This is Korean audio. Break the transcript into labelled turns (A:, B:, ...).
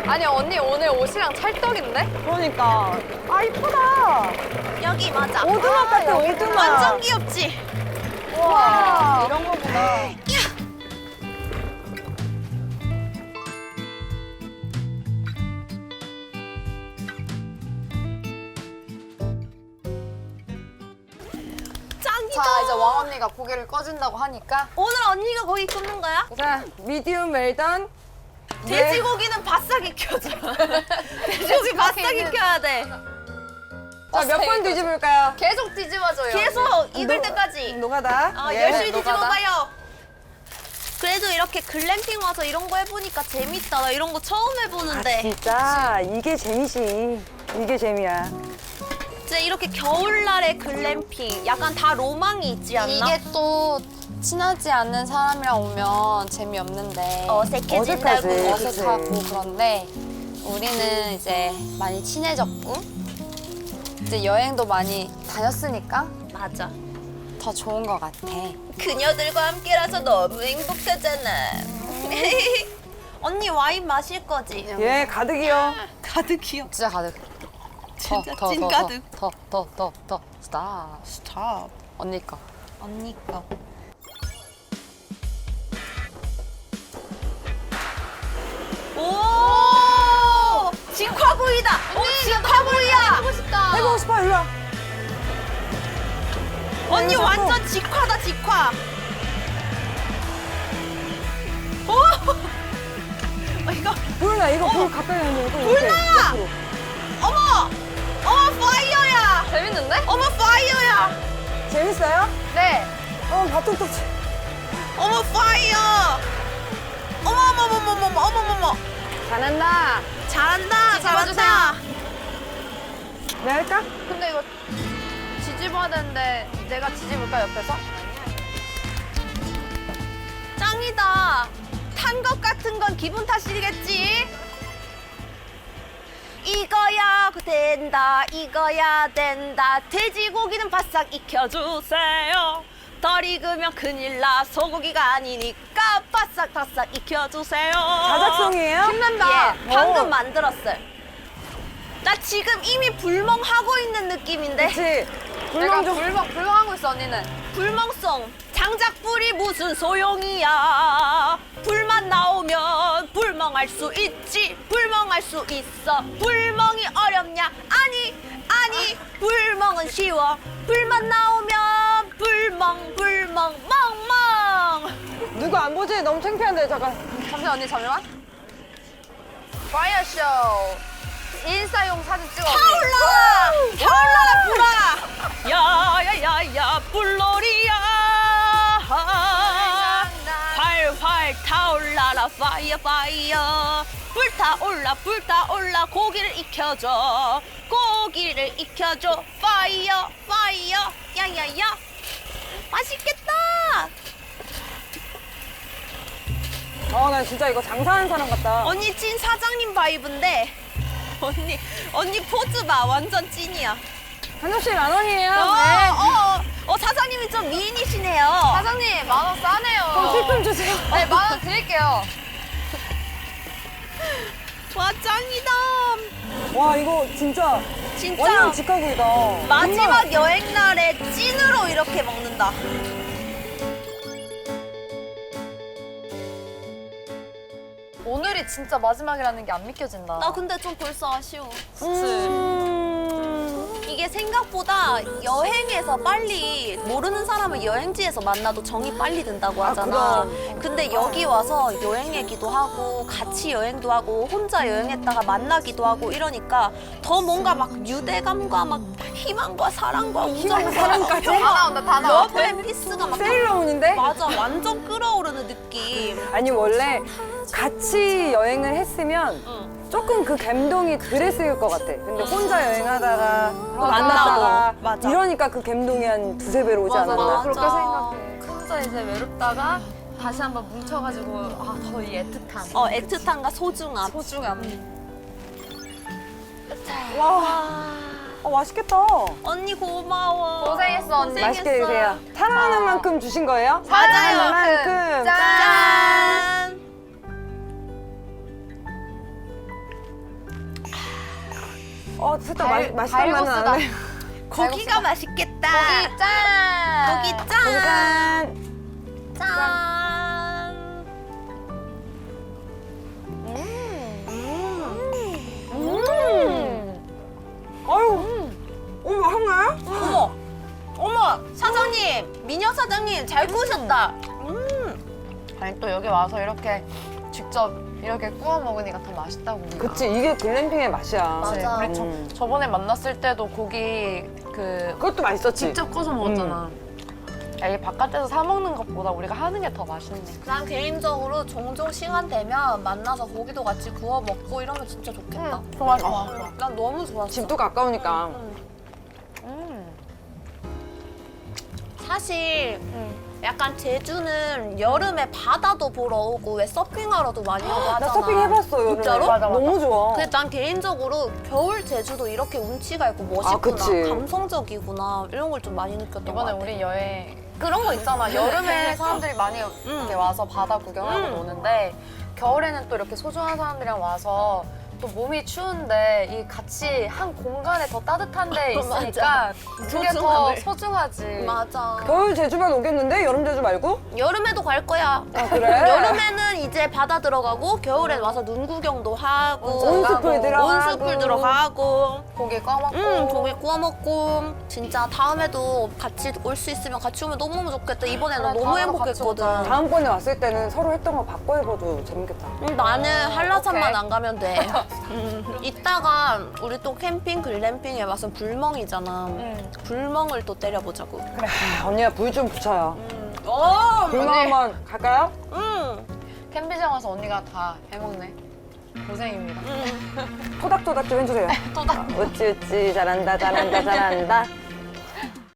A: 아니 언니 오늘 옷이랑 찰떡인데?
B: 그러니까. 아, 이쁘다.
C: 여기 맞아.
B: 오두막 같아, 오두막.
C: 완전 귀엽지?
B: 와.
A: 이런 거구나.
C: 짱이다.
A: 자 이제 왕 언니가 고개를 꺼준다고 하니까
C: 오늘 언니가 거기 굽는 거야?
B: 자, 미디움 웰던.
C: 돼지고기는 바싹 익혀줘. 돼지고기 바싹 익혀야 돼.
B: 자, 몇 번 뒤집을까요?
A: 계속 뒤집어줘요.
C: 계속 익을 때까지.
B: 노가다.
C: 아,
B: 예.
C: 열심히
A: 노가다.
C: 뒤집어봐요. 그래도 이렇게 글램핑 와서 이런 거 해보니까 재밌다. 나 이런 거 처음 해보는데.
B: 진짜 이게 재미지. 이게 재미야.
C: 진짜 이렇게 겨울날의 글램핑. 약간 다 로망이 있지 않나?
A: 이게 또 친하지 않는 사람이랑 오면 재미없는데
C: 어색해진다고.
B: 어색하지.
A: 어색하고
B: 그치.
A: 그런데 우리는 이제 많이 친해졌고 이제 여행도 많이 다녔으니까
C: 맞아.
A: 더 좋은 것 같아.
C: 그녀들과 함께라서 너무 행복하잖아. 언니 와인 마실 거지?
B: 예, 가득이요.
C: 가득이요.
A: 진짜 가득.
C: 진짜 찐 가득.
A: 더 스탑.
C: 스탑.
A: 언니 거.
C: 언니 거. 오! 직화구이다. 직화구이야.
A: 해보고 싶다.
B: 해보고 싶어, 일로 와.
C: 언니
B: 여기서
C: 완전 직화다 직화. 오! 이거
B: 불나, 이거 불 가까이 하는 거.
C: 불나! 어머! 어머 파이어야.
A: 재밌는데?
C: 어머 파이어야.
B: 재밌어요?
A: 네.
B: 밥통떡.
C: 어머 파이어. 어머머머머머머머머머.
B: 잘한다.
C: 잘한다 잘한다.
B: 내가 할까?
A: 근데 이거 뒤집어야 되는데 내가 뒤집을까 옆에서?
C: 짱이다. 탄 것 같은 건 기분 탓이겠지? 이거야 된다 이거야 된다 돼지고기는 바싹 익혀주세요. 덜 익으면 큰일 나 소고기가 아니니까 바싹바싹 익혀주세요.
B: 자작성이에요?
A: 신난다.
C: 예, 방금
B: 오.
C: 만들었어요. 나 지금 이미 불멍하고 있는 느낌인데.
B: 그치.
A: 내가
B: 불멍 좀.
A: 불멍하고 있어 언니는.
C: 불멍송. 장작불이 무슨 소용이야. 불만 나오면 불멍할 수 있지. 불멍할 수 있어. 불멍이 어렵냐? 아니 불멍은 쉬워. 불만 나오면 불멍 멍멍.
B: 누구 안 보지? 너무 창피한데, 잠깐.
A: 잠시만 언니 잠시만. 파이어쇼. 인스타용 사진 찍어.
C: 타올라라 불아. 야야야야 불놀이야. 활활 타올라라 파이어 파이어. 불타올라 고기를 익혀줘. 고기를 익혀줘. 파이어 파이어. 야야야. 맛있겠다.
B: 나 진짜 이거 장사하는 사람 같다.
C: 언니 찐 사장님 바이브인데. 언니 포즈 봐. 완전 찐이야.
B: 한 접시 10,000원이에요.
C: 사장님이 좀 미인이시네요.
A: 사장님 10,000원 싸네요.
B: 그럼 팁 좀 주세요.
A: 네 10,000원 드릴게요.
C: 와 짱이다.
B: 와, 이거 진짜
C: 진짜
B: 완전 직화구이다.
C: 마지막 여행 날에 찐으로 이렇게 먹는다.
A: 오늘이 진짜 마지막이라는 게 안 믿겨진다.
C: 나 근데 좀 벌써 아쉬워.
B: 음.
C: 이게 생각보다 여행에서 빨리 모르는 사람을 여행지에서 만나도 정이 빨리 든다고 하잖아.
B: 그럼.
C: 근데 여기 와서 여행 얘기도 하고 같이 여행도 하고 혼자 여행했다가 만나기도 하고 이러니까 더 뭔가 막 유대감과 막 희망과 사랑과 우정과
B: 사랑까지?
A: 다 나온다 다 나와.
C: 러브 앤 피스가 막
B: 세일러문인데?
C: 맞아 완전 끌어오르는 느낌.
B: 아니, 원래 같이 여행을 했으면
C: 응.
B: 조금 그 감동이 덜했을 것 같아. 근데 혼자 여행하다가
C: 만나고.
B: 만났다가
C: 맞아.
B: 이러니까 그 감동이 한 두세 배로 오지
A: 맞아,
B: 않았나?
A: 나도 그렇게 생각해. 혼자 이제 외롭다가 다시 한번 뭉쳐가지고 더 이 애틋함.
C: 애틋함과 소중함.
A: 소중함.
B: 와, 맛있겠다.
C: 언니 고마워.
A: 고생했어, 언니.
B: 맛있게 드세요. 사랑하는 만큼 주신 거예요?
C: 맞아요.
B: 사랑하는 만큼.
A: 짠.
C: 짠.
B: 살짝 맛있단 말은 안
A: 달고수다.
B: 해.
C: 고기가 맛있겠다.
A: 고기 짠!
C: 고기 짠.
B: 짠.
C: 짠.
B: 아유. 어머, 한가요?
C: 어머, 사장님, 미녀 사장님 잘 구우셨다.
A: 아니 또 여기 와서 이렇게 직접 이렇게 구워 먹으니까 더 맛있다고. 우리가.
B: 그치, 이게 글램핑의 맛이야.
C: 맞아.
A: 우리 저번에 만났을 때도 고기
B: 그것도 맛있었지.
A: 직접 구워서 먹었잖아. 야, 이게 바깥에서 사 먹는 것보다 우리가 하는 게 더 맛있네.
C: 난 개인적으로 종종 시간 되면 만나서 고기도 같이 구워 먹고 이러면 진짜 좋겠다.
A: 좋아 좋아.
C: 난 너무 좋았어.
B: 집도 가까우니까.
C: 사실 약간 제주는 여름에 바다도 보러 오고 왜 서핑하러도 많이 오고 하잖아.
B: 나 서핑 해봤어, 여름에.
C: 진짜로?
A: 맞아, 맞아.
B: 너무 좋아.
C: 근데 난 개인적으로 겨울 제주도 이렇게 운치가 있고 멋있구나,
B: 그치.
C: 감성적이구나 이런 걸 좀 많이 느꼈던 것
A: 이번에
C: 같아.
A: 우리 여행 그런 거 있잖아. 여름에 사람들이 많이 이렇게 와서 바다 구경하고 노는데 겨울에는 또 이렇게 소중한 사람들이랑 와서 또 몸이 추운데 이 같이 한 공간에 더 따뜻한 데 있으니까 그게 더
C: 소중하네.
A: 소중하지.
C: 맞아.
B: 겨울 제주만 오겠는데? 여름 제주 말고?
C: 여름에도 갈 거야.
B: 아, 그래?
C: 여름에는 이제 바다 들어가고 겨울엔 와서 눈 구경도 하고
B: 온수풀 들어가고.
C: 온수풀 들어가고
A: 고기 꺼먹고.
C: 고기 구워 먹고 진짜 다음에도 같이 올 수 있으면 같이 오면 너무너무 좋겠다. 이번에는
A: 그래,
C: 너무
A: 다음에도 같이
C: 행복했거든.
A: 오자.
B: 다음번에 왔을 때는 서로 했던 거 바꿔 해봐도 재밌겠다.
C: 나는 한라산만
A: 오케이.
C: 안 가면 돼. 이따가 우리 또 캠핑 글램핑에 와서 불멍이잖아. 불멍을 또 때려보자고.
B: 언니가 불 좀 붙여요.
C: 어,
B: 불멍 한번 갈까요?
A: 캠핑장 와서 언니가 다 해먹네. 고생입니다.
B: 토닥토닥 좀 해주세요.
A: 토닥.
B: 어찌 잘한다 잘한다 잘한다.